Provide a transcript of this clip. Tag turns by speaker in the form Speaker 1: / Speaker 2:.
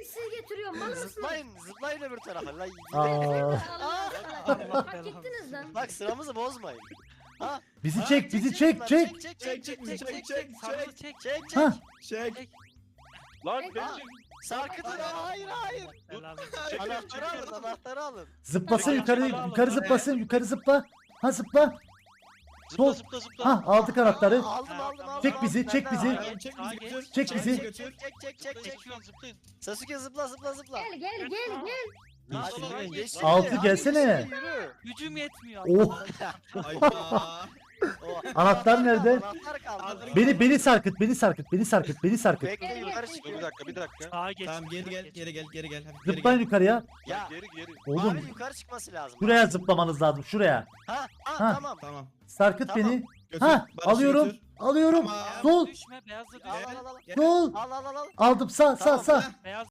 Speaker 1: sizi getiriyorum. Mal mısınız?
Speaker 2: Zıplayın öbür tarafa lan.
Speaker 3: Aa,
Speaker 1: Allah
Speaker 4: Allah
Speaker 1: Allah. Hak
Speaker 4: belanı.
Speaker 1: ettiniz lan.
Speaker 2: Bak sıramızı bozmayın. Ha?
Speaker 3: bizi çek, bizi çek.
Speaker 2: Çek.
Speaker 4: Sarılı çek.
Speaker 2: Çek.
Speaker 3: Ha.
Speaker 5: Çek.
Speaker 6: Lan
Speaker 2: Aa,
Speaker 6: ben
Speaker 2: Sarkıtın hayır.
Speaker 4: Belanı.
Speaker 2: Anahtarı alın anahtarı alın.
Speaker 3: Zıplasın yukarı zıplasın, yukarı zıpla. Ha zıpla. Sol.
Speaker 6: zıpla.
Speaker 3: Ha aldık anahtarı.
Speaker 2: Aldım.
Speaker 3: Çek bizi, çek bizi.
Speaker 5: Tamam, çek bizi götür.
Speaker 3: Çek bizi.
Speaker 5: götür.
Speaker 2: Çek.
Speaker 6: Zıplayın.
Speaker 2: Sasuke zıpla.
Speaker 1: Gel.
Speaker 2: Hadi geç şimdi,
Speaker 3: Altı
Speaker 2: hadi
Speaker 3: gelsene.
Speaker 2: geç şimdi, yürü.
Speaker 4: Gücüm yetmiyor.
Speaker 3: Oh,
Speaker 5: Hayda.
Speaker 3: anahtar nerede?
Speaker 2: Anahtar kaldı.
Speaker 3: Beni sarkıt, beni sarkıt.
Speaker 2: Bekle yukarı çıkıyor.
Speaker 6: Bir dakika.
Speaker 4: Sağa geç.
Speaker 5: Tamam geri gel.
Speaker 4: Geç.
Speaker 5: Geri gel. Hadi geri
Speaker 3: Zıplayın
Speaker 5: gel.
Speaker 3: yukarıya.
Speaker 2: Ya
Speaker 6: Geri.
Speaker 3: Oğlum,
Speaker 2: abi yukarı çıkması lazım.
Speaker 3: şuraya zıplamanız lazım, şuraya.
Speaker 2: Ha
Speaker 3: Ha.
Speaker 2: tamam.
Speaker 5: Tamam.
Speaker 3: Sarkıt
Speaker 2: Tamam.
Speaker 3: beni.
Speaker 5: Götür.
Speaker 3: Ha,
Speaker 5: Barış'ı
Speaker 3: alıyorum.
Speaker 5: götür.
Speaker 3: Alıyorum.
Speaker 5: Tamam.
Speaker 4: Beyazla
Speaker 3: Sol.
Speaker 4: düşme. Beyazla
Speaker 2: Al
Speaker 4: düşme.
Speaker 2: al al.
Speaker 5: Gel.
Speaker 3: Sol.
Speaker 2: Al.
Speaker 3: Aldım, sağ.
Speaker 2: Tamam.
Speaker 4: Beyaz